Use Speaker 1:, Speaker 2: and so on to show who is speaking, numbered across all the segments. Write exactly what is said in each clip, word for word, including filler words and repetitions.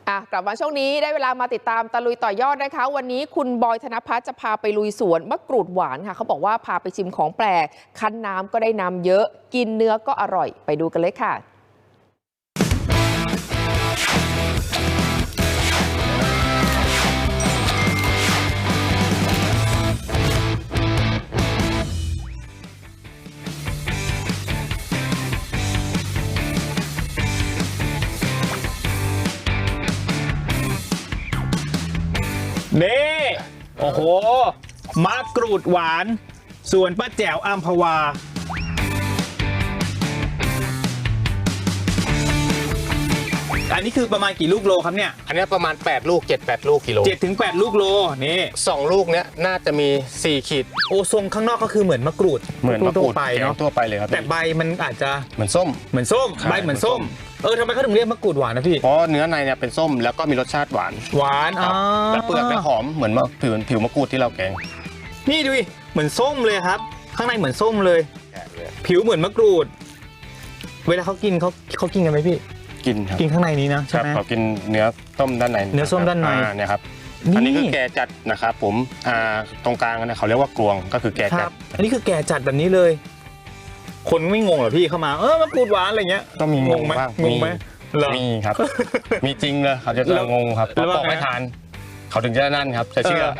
Speaker 1: อ่ะกลับมาช่วงนี้ได้เวลามาติดตามตะลุยต่อยอดนะคะวันนี้คุณบอยธนภัทรจะพาไปลุยสวนมะกรูดหวานค่ะเขาบอกว่าพาไปชิมของแปลกคั้นน้ำก็ได้น้ำเยอะกินเนื้อก็อร่อยไปดูกันเลยค่ะ
Speaker 2: นี่โอ้โหมะกรูดหวานส่วนป้าแจ๋วอัมพวาอันนี้คือประมาณกี่ลูกโลครับเนี่ย
Speaker 3: อันนี้ประมาณแปดลูกเจ็ด แปดลูกกิโล
Speaker 2: เจ็ดถึงแปดลูกโลนี่
Speaker 3: สองลูกเนี้ยน่าจะมีสี่ขีด
Speaker 2: โอทรงข้างนอกก็คือเหมือนมะกรูด
Speaker 3: เหมือนมะกรูด
Speaker 2: ไปเนาะ
Speaker 3: ทั่วไปเลยครับ
Speaker 2: แต่ใบมันอาจจะ
Speaker 3: เหมือนส้ม
Speaker 2: เหมือนส้มใบเหมือนส้มเออทำไมเขาถึงเรียกมะกรูดหวานนะพี่
Speaker 3: เพราะเนื้อในเนี่ยเป็นส้มแล้วก็มีรสชาติหวาน
Speaker 2: หวาน
Speaker 3: ครับแล้วเปลือกเนี่ยหอมเหมือนผิวผิวมะกรูดที่เราแกง
Speaker 2: นี่ดูดิเหมือนส้มเลยครับข้างในเหมือนส้มเลยผิวเหมือนมะกรูดเวลาเขากินเขาเขากินกันไหมพี่
Speaker 3: กินครับ
Speaker 2: กินข้างในนี้นะใช่ไหม
Speaker 3: เขากินเนื้อส้มด้านใน
Speaker 2: เนื้อส้มด้านใน
Speaker 3: เนี่ยครับอันนี้คือแกจัดนะครับผมอ่าตรงกลางเนี่ยเขาเรียกว่ากลวงก็คือแกจัด
Speaker 2: อันนี้คือแกจัดแบบนี้เลยคนไม่งงเหรอพี่เข้ามาเออมะกรูดหวานอะไรเงี้ย
Speaker 3: ก็มีงงไหม
Speaker 2: งงไหม
Speaker 3: มีครับมีจริงเลยเขาจะงงครับแล้วบอกไม่ทานเขาถึงจะนั่นครับจะเชื่อ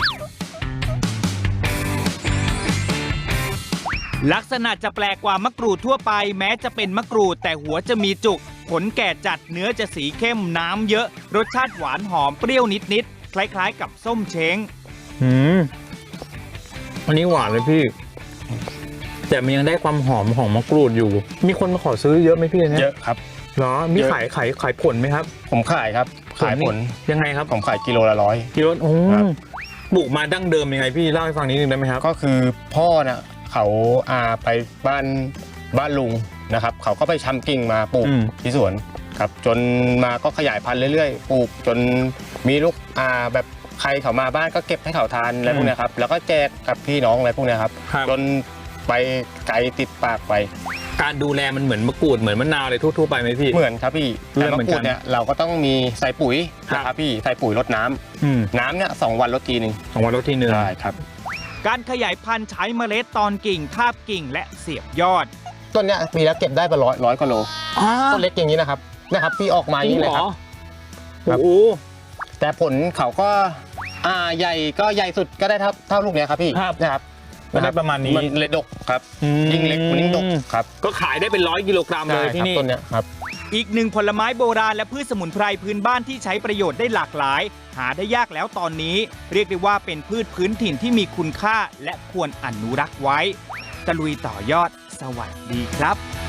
Speaker 4: ลักษณะจะแปลกกว่ามะกรูดทั่วไปแม้จะเป็นมะกรูดแต่หัวจะมีจุกผลแก่จัดเนื้อจะสีเข้มน้ำเยอะรสชาติหวานหอมเปรี้ยวนิดๆคล้ายๆกับส้มเช้ง
Speaker 2: อืมอันนี้หวานเลยพี่แต่มันยังได้ความหอมของมะกรูดอยู่มีคนมาขอซื้อเยอะไหมพี่เนี่ย
Speaker 3: เยอะครับ
Speaker 2: เหรอมีขายขายขายผลไหมครับ
Speaker 3: ผมขายครับขายผล
Speaker 2: ยังไงครับ
Speaker 3: ผมขายกิโลละร้อย
Speaker 2: กิโลโอ้ปลูกมาดั้งเดิมยังไงพี่เล่าให้ฟังนิดนึงได้ไหมครับ
Speaker 3: ก็คือพ่อเนี่ยเขาอาไปบ้านบ้านลุงนะครับเขาก็ไปชำกิ่งมาปลูกที่สวนครับจนมาก็ขยายพันธุ์เรื่อยๆปลูกจนมีลูกอาแบบใครเขามาบ้านก็เก็บให้เขาทานอะไรพวกนี้ครับแล้วก็แจกกับพี่น้องอะไรพวกนี้ครับจนไปไกลติดปากไป
Speaker 2: การดูแลมันเหมือนมะกรูดเหมือนมะนาวอะไรทั่วๆไปไหมพี่
Speaker 3: เหมือนครับพี่แต่มะกรูดเนี่ยเราก็ต้องมีใส่ปุ๋ยนะครับพี่ใส่ปุ๋ยรดน้ำน้ำเนี่ยสองวันรดทีหนึ่ง
Speaker 2: สองวันรดทีหนึ่ง
Speaker 3: ใช่ครับ
Speaker 4: การขยายพันธุ์ใช้เมล็ดตอนกิ่งทาบกิ่งและเสียบยอด
Speaker 3: ต้นเนี้ยปีแล้วเก็บได้ประร้อยร้อยกิโลต้นเล็กอย่างนี้นะครับนะครับพี่ออกมาอย่างนี้เลยครับ
Speaker 2: โอ้โห
Speaker 3: แต่ผลเขาก็อ่าใหญ่ก็ใหญ่สุดก็ได้เท่าเท่าลูกเนี้ยครับพี่นะครับ
Speaker 2: ประมาณนี้
Speaker 3: มันเลยดกครับยิ่งเล็กมันยิ่งดกครับ
Speaker 2: ก็ขายได้เป็นร้อยกิโลกรัมเลยที่นี่
Speaker 3: ต้นเนี้ยครับ
Speaker 4: อีกหนึ่งผลไม้โบราณและพืชสมุนไพรพื้นบ้านที่ใช้ประโยชน์ได้หลากหลายหาได้ยากแล้วตอนนี้เรียกได้ว่าเป็นพืชพื้นถิ่นที่มีคุณค่าและควรอนุรักษ์ไว้ตะลุยต่อยอดสวัสดีครับ